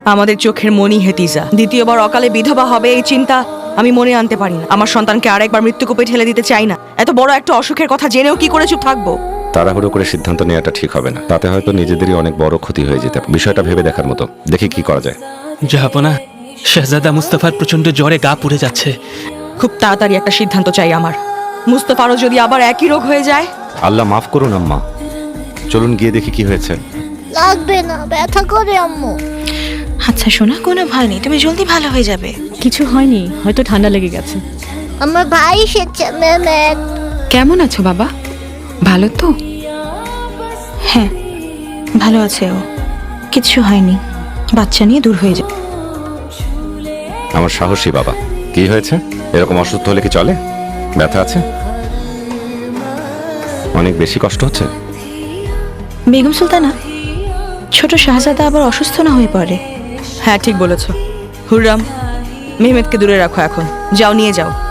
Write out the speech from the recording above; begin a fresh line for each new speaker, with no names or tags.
আমাদের চোখের মনি হেতিজা দ্বিতীয়বার অকালে বিধবা হবে এই চিন্তা আমি মনে আনতে পারি না। আমার সন্তানকে আরেকবার মৃত্যুকূপে ঠেলে দিতে চাই না। এত বড় একটা অসুখের কথা জেনেও কি করে চুপ থাকবো?
তাড়াহুড়ো করে সিদ্ধান্ত নেওয়াটা ঠিক হবে না, তাতে হয়তো নিজেদেরই অনেক বড় ক্ষতি হয়ে যেতে পারে। বিষয়টা ভেবে দেখার মতো, দেখি কি করা যায়।
জাহাপনা, শাহজাদা মুস্তাফার প্রচন্ড জ্বরে গা পুড়ে যাচ্ছে।
খুব তাড়াতাড়ি একটা সিদ্ধান্ত চাই আমার। মুস্তাফারও যদি আবার একই রোগ হয়ে যায়।
আল্লাহ মাফ করুন আম্মা, চলুন গিয়ে দেখি কি হয়েছে।
লাগবে না, ব্যথা করে আম্মু।
আচ্ছা সোনা, কোনো ভয় নেই, তুমি জলদি ভালো হয়ে যাবে।
কিছু হয়নি, হয়তো ঠান্ডা লেগে গেছে।
আমার ভাই এসেছে মেমেক।
কেমন আছো বাবা? ভালো তো? হ্যাঁ ভালো আছে ও, কিচ্ছু হয়নি, বাচ্চা নিয়ে দূর হয়ে যাবে।
আমার সাহসী বাবা। কি হয়েছে? এরকম অসুস্থ হলে কি চলে? ব্যথা আছে? অনেক বেশি কষ্ট হচ্ছে?
বেগম সুলতানা, ছোট শাহজাদা আবার অসুস্থ না হয়ে পড়ে।
হ্যাঁ ঠিক বলেছ। হুররাম, মেহমেদকে দূরে রাখো, এখন যাও নিয়ে যাও।